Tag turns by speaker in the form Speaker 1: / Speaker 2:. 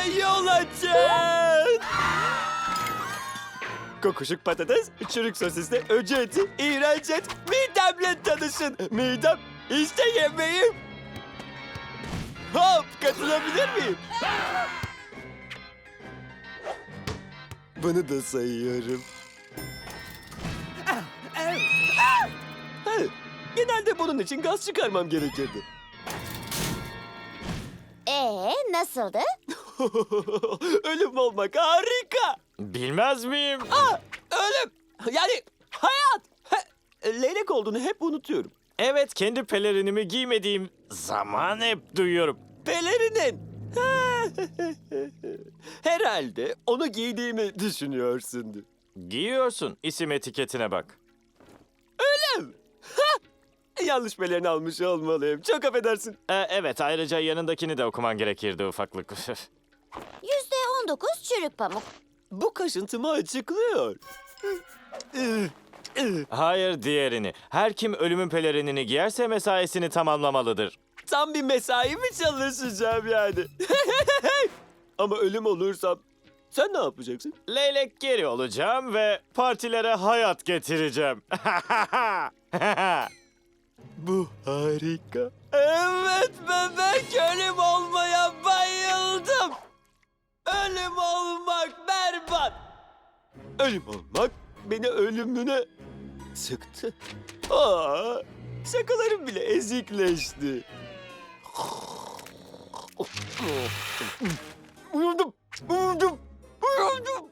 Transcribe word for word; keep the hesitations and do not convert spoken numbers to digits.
Speaker 1: yol açın. Kokuşuk patates, çürük sosisli, öcü eti, iğrenç et, midemle tanışın. Midem, işte yemeğim. Hop, katılabilir miyim? Bunu da sayıyorum. Hayır, genelde bunun için gaz çıkarmam gerekirdi.
Speaker 2: Ee, nasıldı?
Speaker 1: Ölüm olmak harika.
Speaker 3: Bilmez miyim?
Speaker 1: Aa, ölüm. Yani hayat. He, leylek olduğunu hep unutuyorum.
Speaker 3: Evet, kendi pelerinimi giymediğim zaman hep duyuyorum.
Speaker 1: Pelerinin. Herhalde onu giydiğimi düşünüyorsundur.
Speaker 3: Giyiyorsun, isim etiketine bak.
Speaker 1: Öyle mi? Ha! Yanlış pelerini almış olmalıyım. Çok affedersin.
Speaker 3: Ee, evet, ayrıca yanındakini de okuman gerekirdi ufaklık.
Speaker 2: Yüzde on dokuz çürük pamuk.
Speaker 1: Bu kaşıntımı açıklıyor.
Speaker 3: Hayır, diğerini. Her kim ölümün pelerinini giyerse mesaisini tamamlamalıdır.
Speaker 1: Tam bir mesai mi çalışacağım yani? Ama ölüm olursam sen ne yapacaksın?
Speaker 3: Leylek geri olacağım ve partilere hayat getireceğim.
Speaker 1: Bu harika. Evet bebek, ölüm olmaya bayıldım. Ölüm olmak berbat. Ölüm olmak beni ölümüne sıktı. Aa, şakalarım bile ezikleşti. Uyudum, uyudum, uyudum.